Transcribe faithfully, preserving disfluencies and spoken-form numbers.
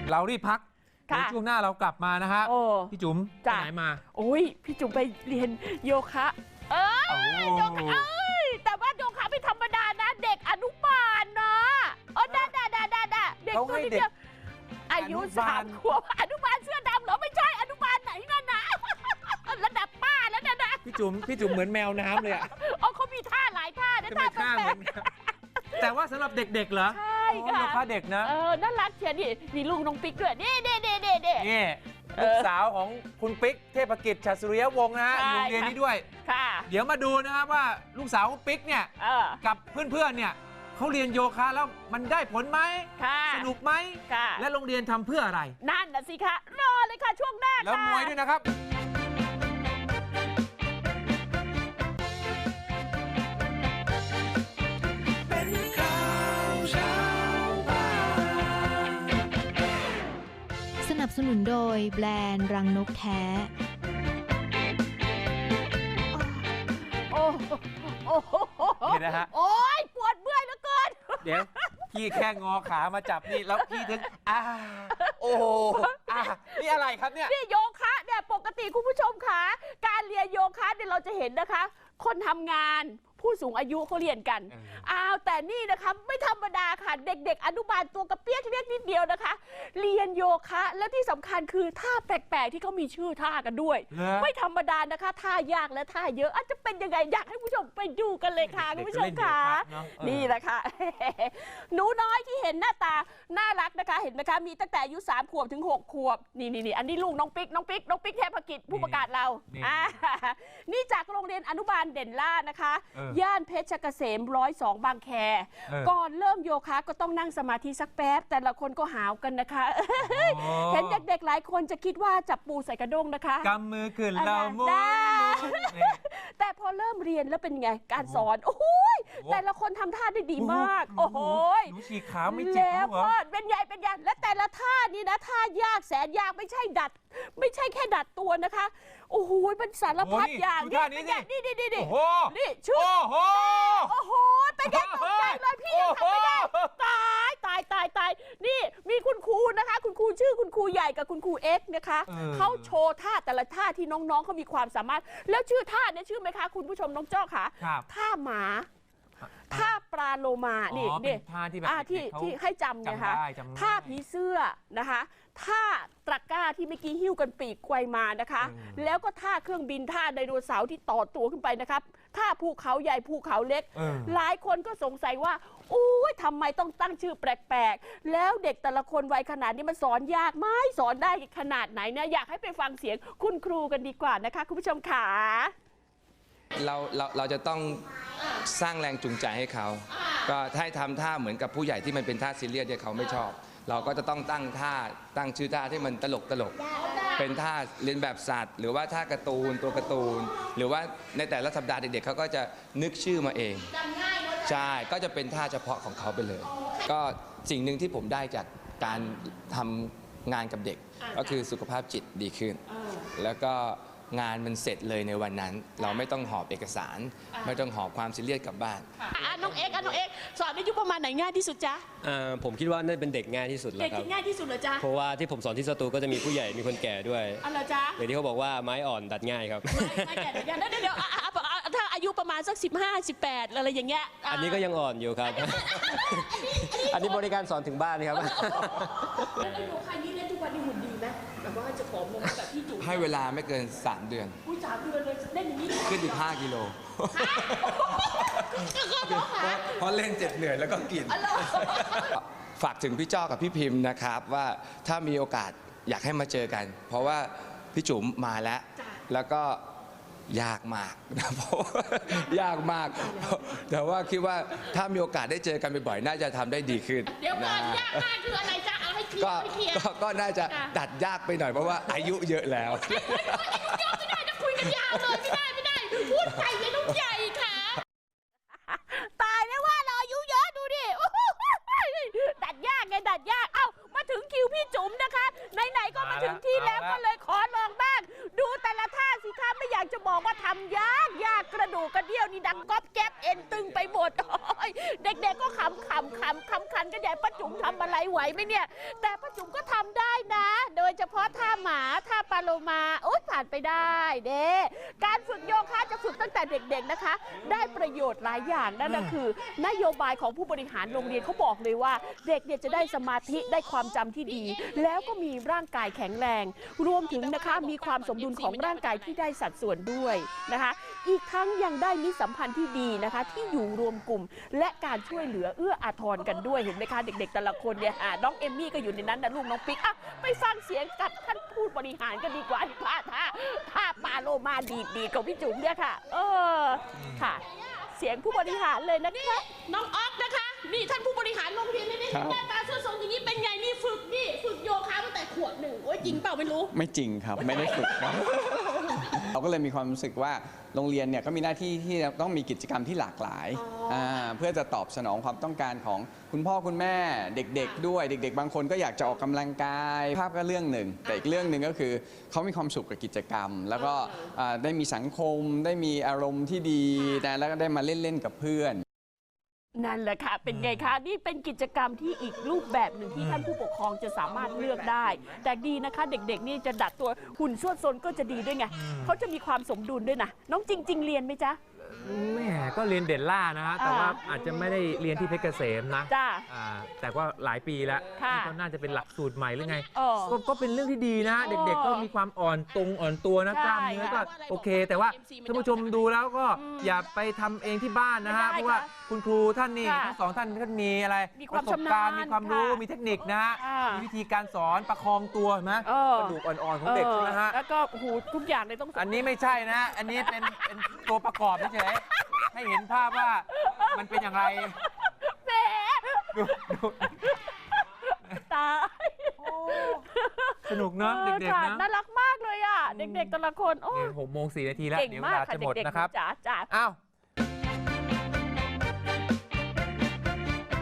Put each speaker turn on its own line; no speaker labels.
เรารีบพักในช่วงหน้าเรากลับมานะฮะพี่จุ๋มไปไหนมา
โอ้ยพี่จุ๋มไปเรียนโยคะเออโยคะเอ้ยแต่ว่าโยคะไม่ธรรมดานะเด็กอนุบาลนะอ๋อได้ได้ได้ได้เด็กตัวนิดเดียวอายุสามขวบอนุบาลเสื้อดำเหรอไม่ใช่อนุบาลไหนนั่นนะระดับป้าแล้วนะนะ
พี่จุ๋มพี่จุ๋มเหมือนแมวน้ำเลยอ่ะ
อ๋อเขามีท่าหลายท่านะท่าแปลก
แต่ว่าสำหรับเด็กๆเหรอ
ใช่ค่ะ
โยคะเด็กนะ
เออน่ารักเชียวนี่มีลุงน้องปิ๊กด้วยนี่นี่นี่นี่
นี่ลูกสาวของคุณปิ๊กเทพกิจฉัตรสุริยวงศ์นะฮะอยู่โรงเรียนนี้ด้วยเดี๋ยวมาดูนะครับว่าลูกสาวคุณปิ๊กเนี่ยกับเพื่อนๆเนี่ยเขาเรียนโยคะแล้วมันได้ผลไหมสนุกไหมและโรงเรียนทำเพื่ออะไร
นั่นน่ะสิคะรอเลยค่ะช่วงหน้า
แล้วมวยด้วยนะครับ
สนับสนุนโดยแบรนด์รังนกแท้
โอ้โอ้
นี่นะฮะ
โอ้ยปวดเมื่อยเหลือเกิน
เดี๋ยวพี่แค่งอขามาจับนี่แล้วพี่ถึงอ่าโอ้อ่านี่อะไรครับเนี่ย
นี่โยคะเนี่ยปกติคุณผู้ชมคะการเรียนโยคะเนี่ยเราจะเห็นนะคะคนทำงานผู้สูงอายุเขาเรียนกันอ้าวแต่นี่นะคะไม่ธรรมดาค่ะเด็กๆอนุบาลตัวกระเปี๊ยกเรียกนิดเดียวนะคะเรียนโยคะและที่สำคัญคือท่าแปลกๆที่เขามีชื่อท่ากันด้วยไม่ธรรมดานะคะท่ายากและท่าเยอะอาจจะเป็นยังไงอยากให้ผู้ชมไปดูกันเลยค่ะคุณผู้ชมค่ะนี่แหละค่ะหนูน้อยที่เห็นหน้าตาน่ารักนะคะเห็นไหมคะมีตั้งแต่อายุสามขวบถึงหกขวบนี่นี่อันนี้ลูกน้องปิ๊กน้องปิ๊กน้องปิ๊กเทพกิจผู้ประกาศเรานี่จากโรงเรียนอนุบาลเด่นล่านะคะย่านเพชรเกษมร้อยสองบางแคก่อนเริ่มโยคะก็ต้องนั่งสมาธิสักแป๊บแต่ละคนก็หาวกันนะคะเห็นเด็กๆหลายคนจะคิดว่าจับปูใส่กระด้งนะคะ
กำมือขึ้นเรามุน
แต่พอเริ่มเรียนแล้วเป็นไงการสอนโอ้โหแต่ละคนทำท่าได้ดีมากโอ้โห
หนูฉีกขาไม่เจ็บ
แล้วก็เป็นใหญ่เป็นใหญ่และแต่ละท่านี่นะท่ายากแสนยากไม่ใช่ดัดไม่ใช่แค่ดัดตัวนะคะโอ้โหเป็นสารพัดอย่าง
นี่
นี่นี่นี่นี่นี่
นี่
ชุดโอ้โหเป็นไงตกใจเลยพี่ยังทำไม่ได้ตายตายตายตายนี่มีคุณครูนะคะคุณครูชื่อคุณครูใหญ่กับคุณครูเอ็กซ์นะคะเขาโชว์ท่าแต่ละท่าที่น้องๆเขามีความสามารถแล้วชื่อท่าเนี่ยชื่อไหมคะคุณผู้ชมน้องเจ้าค่ะท่าหมาท่าปลาโลมานี่นี่
ท่าที่แบบ
ที่ที่ให้จำเนี่ยค่ะท่าผีเสื้อนะคะท่าตะกร้าที่เมื่อกี้หิ้วกันปีกไกวมานะคะแล้วก็ท่าเครื่องบินท่าไดโนเสาร์ที่ต่อตัวขึ้นไปนะครับท่าภูเขาใหญ่ภูเขาเล็กหลายคนก็สงสัยว่าโอ้ยทำไมต้องตั้งชื่อแปลกๆแล้วเด็กแต่ละคนวัยขนาดนี้มันสอนยากไหมสอนได้ขนาดไหนเนี่ยอยากให้ไปฟังเสียงคุณครูกันดีกว่านะคะคุณผู้ชมค่ะ
เราเราเราจะต้องสร้างแรงจูงใจให้เขาก็ให้ทำท่าเหมือนกับผู้ใหญ่ที่มันเป็นท่าซีเรียสที่เขาไม่ชอบเราก็จะต้องตั้งท่าตั้งชื่อท่าที่มันตลกตลกเป็นท่าเรียนแบบสัตว์หรือว่าท่าการ์ตูนตัวการ์ตูนหรือว่าในแต่ละสัปดาห์เด็กๆเขาก็จะนึกชื่อมาเองใช่ก็จะเป็นท่าเฉพาะของเขาไปเลยก็สิ่งหนึ่งที่ผมได้จากการทำงานกับเด็กก็คือสุขภาพจิตดีขึ้นแล้วก็งานมันเสร็จเลยในวันนั้นเราไม่ต้องหอบเอกสารไม่ต้องหอบความซีเรียสกลับบ้าน
น้องเอ็กน้องเอ็กสอนอายุประมาณไหนง่ายที่สุดจ๊ะ
ผมคิดว่าน่าเป็นเด็กง่ายที่สุดแล้วครับ
เด็กง่ายที่สุดเหรอจ๊ะ
เพราะว่าที่ผมสอนที่สตูก็จะมีผู้ใหญ่มีคนแก่ด้วย
อะไรจ๊ะ
เดี๋ยวที่เขาบอกว่าไม้อ่อนดัดง่ายครับ
ไม้แก่ดัดง่ายเดี๋ยวถ้าอายุประมาณสักสิบห้า สิบแปดอะไรอย่างเงี้ย
อันนี้ก็ยังอ่อนอยู่ครับอันนี้บริการสอนถึงบ้านครับ
แล้วโยคะนี่เล่นทุกวันนี่หุ่นดีไหมแบบว่าจะผอมลงแบบพี่จุ๋ม
ให้เวลาไม่เกินสามเดือน
อุ้ยสามเดือนเลยเล่นอย่างนี้
ขึ้นอีกห้ากิโลเพราะเล่นเจ็บเหนื่อยแล้วก็กินฝากถึงพี่จ้อกับพี่พิมพ์นะครับว่าถ้ามีโอกาสอยากให้มาเจอกันเพราะว่าพี่จุ๋มมาแล้วแล้วก็ยากมากนะเพราะยากมากแต่ว่าคิดว่าถ้ามีโอกาสได้เจอกันบ่อยๆน่าจะทำได้ดีขึ้น
เดี๋ยวก่อนยากมากคืออะไรจ๊ะเอาให้เคลียร์
ก็น่าจะตัดยากไปหน่อยเพราะว่าอายุเยอะแล้ว
ไม่ได้จะคุยกันยาวเลยไม่ได้ไม่ได้พูดไปเลยน้องใหญ่ค่ะตายแล้วว่าเราอายุเยอะดูดิดัดยากไงดัดยากเอ้ามาถึงคิวพี่จุ๋มนะคะไหนๆก็มาถึงที่แล้วก็เลยขอลองบ้างดูแต่ละท่าสิคะไม่อยากจะบอกว่าทำยากยากกระดูกกระเดี่ยวนี่ดังก๊อบแก๊บเอ็นตึงไปหมดเด็กๆก็ขำขำขำคำคันกันใหญ่ป้าจุ๋มทำอะไรไหวไหมเนี่ยแต่ป้าจุ๋มก็ทำได้นะ โดยเฉพาะท่าหมาท่าปลาโลมาโอ๊ยผ่านไปได้เด้การฝึกโยคะจะฝึกตั้งแต่เด็กๆนะคะได้ประโยชน์หลายอย่างนั่นก็คือนโยบายของผู้บริหารโรงเรียนเขาบอกเลยว่าเด็กเนี่ยจะได้สมาธิได้ความจำที่ดีแล้วก็มีร่างกายแข็งแรงรวมถึงนะคะมีความสมดุลของร่างกายที่ได้สัดส่วนด้วยนะคะอีกทั้งยังได้มิตรสัมพันธ์ที่ดีนะคะที่อยู่รวมกลุ่มและการช่วยเหลือเอื้ออาทรกันด้วยเห็นไหมคะเด็กๆแต่ละคนเนี่ยน้องเอมมี่ก็อยู่ในนั้นนะลูกน้องปิ๊กอ่ะไปฟังเสียงกับท่านผู้บริหารกันดีกว่าท่าท่าท่าปลาโลมาดีดีของพี่จุ๋มเนี่ยค่ะเออค่ะเสียงผู้บริหารเลยนะคะน้องออฟนะคะนี่ท่านผู้บริหารโรงเรียนนี่นี่หน้าตาสวยๆอย่างนี้เป็นไงนี่ฝึกนี่ฝึกโยคะตั้งแต่ขวบหนึ่งโอ้ยจริงเปล่าไม่รู้
ไม่จริงครับไม่ได้ฝึกครับ เราก็เลยมีความรู้สึกว่าโรงเรียนเนี่ยก็มีหน้าที่ที่ต้องมีกิจกรรมที่หลากหลายเพื่อจะตอบสนองความต้องการของคุณพ่อคุณแม่เด็กๆด้วยเด็กๆบางคนก็อยากจะออกกำลังกายภาพก็เรื่องหนึ่งแต่อีกเรื่องหนึ่งก็คือเขามีความสุขกับกิจกรรมแล้วก็ได้มีสังคมได้มีอารมณ์ที่ดีนะแล้วก็ได้มาเล่นๆกับเพื่อน
นั่นแหละค่ะเป็นไงคะนี่เป็นกิจกรรมที่อีกรูปแบบหนึ่งที่ท่านผู้ปกครองจะสามารถเลือกได้แต่ดีนะคะเด็กๆนี่จะดัดตัวหุ่นสวดซนก็จะดีด้วยไงเขาจะมีความสมดุลด้วยนะน้องจริงๆเรียนไหมจ๊ะ
แหมก็เรียนเด่นล่านะฮะแต่ว่าอาจจะไม่ได้เรียนที่เพชรเกษมนะ
จ้า
แต่ว่าหลายปีแล้วนี่ก็น่าจะเป็นหลักสูตรใหม่หรือไง
ก็
ก็เป็นเรื่องที่ดีนะเด็กๆก็มีความอ่อนตรงอ่อนตัวนะกล้ามเนื้อก็โอเคแต่ว่าท่านผู้ชมดูแล้วก็อย่าไปทำเองที่บ้านนะฮะเพราะว่าคุณครูท่านนี่ทั้งสองท่านท่านมีอะไรประสบการณ์มีความรู้มีเทคนิคนะฮะมีวิธีการสอนประคองตัวนะกระดูกอ่อนๆของเด็กใช่ไหมฮะ
แล้วก็หูทุกอย่างเลยต้อง
อันนี้ไม่ใช่นะอันนี้เป็นเป็นตัวประกอบเฉยๆให้เห็นภาพว่ามันเป็นอย่างไร
แหมตาย
สนุกเนาะเด็กๆนะ
น่ารักมากเลยอ่ะเด็กๆแต่ละคนโอ้
หกโมงสี่นาทีแล้วเดี๋ยวเวลาจะหมดนะครับ
จ้าจ้า
อ้าว